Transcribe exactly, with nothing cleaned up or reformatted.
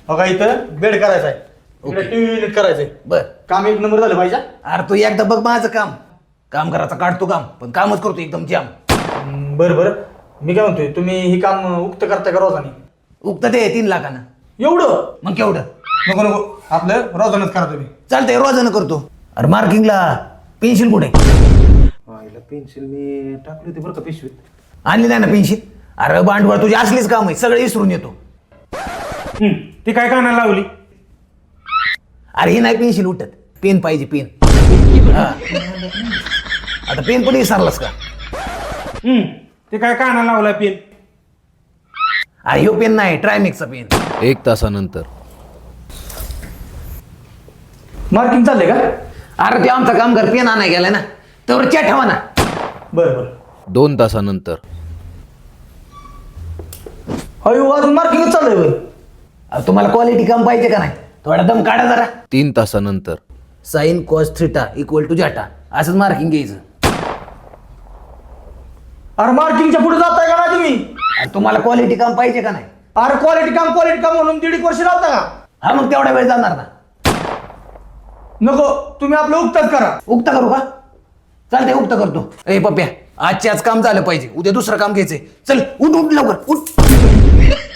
बघा इथं बेड करायचा आहे ओके. टीव्ही युनिट करायचंय बर काम एक नंबर झालं पाहिजे अरे तू एकदा बघ माझं काम काम करायचं काढतो काम पण कामच करतो एकदम जाम. हम्म, बरं बरं मी काय म्हणतोय तुम्ही ही काम उक्त करता का रोजानी उगत ते तीन लाखानं एवढं मग केवढं नको नको आपलं रोजानच करा तुम्ही चालतंय रोजानं करतो. अरे मार्किंगला पेन्सिल कुठे पेन्सिल मी टाकली होती बरं का पिशवीत आणली नाही ना पेन्सिल. अरे भांडवळ तुझी असलीच काम आहे सगळे विसरून येतो. ती काय कानाला लावली अरे ही नाही पेन्सिल उठत पेन पाहिजे पेन. हा. आता पेन पण विसरलास का? ते काय कानाला लावला पेन अरे ह्यो पेन नाही ट्रायमिक्सचा पेन. एक तासानंतर मार्किंग चाललंय का अरे ते आमचा काम कर पेन आणाय गेलाय ना तर च्या ठेवा ना. बरं बरं दोन तासानंतर अयो अजून मार्किंगच चाललंय होय. अरे तुम्हाला क्वालिटी काम पाहिजे का नाही थोडा दम काढा जरा. तीन तासानंतर साईन कॉस थ्रीटा इक्वल टू जाटा असंच मार्किंग घ्यायचं. अरे मार्किंगच्या पुढे जाताय का नाही तुम्ही अरे तुम्हाला क्वालिटी काम पाहिजे का नाही? अरे क्वालिटी काम क्वालिटी काम म्हणून दीड एक वर्ष लावता का हा मग तेवढा वेळ जाणार ना. नको तुम्ही आपलं उक्तच करा उक्त करू का? चालतंय उक्त करतो. ए पप्प्या आजचे आज काम झालं पाहिजे उद्या दुसरं काम घ्यायचंय. चल उठ उठ लवकर उठ.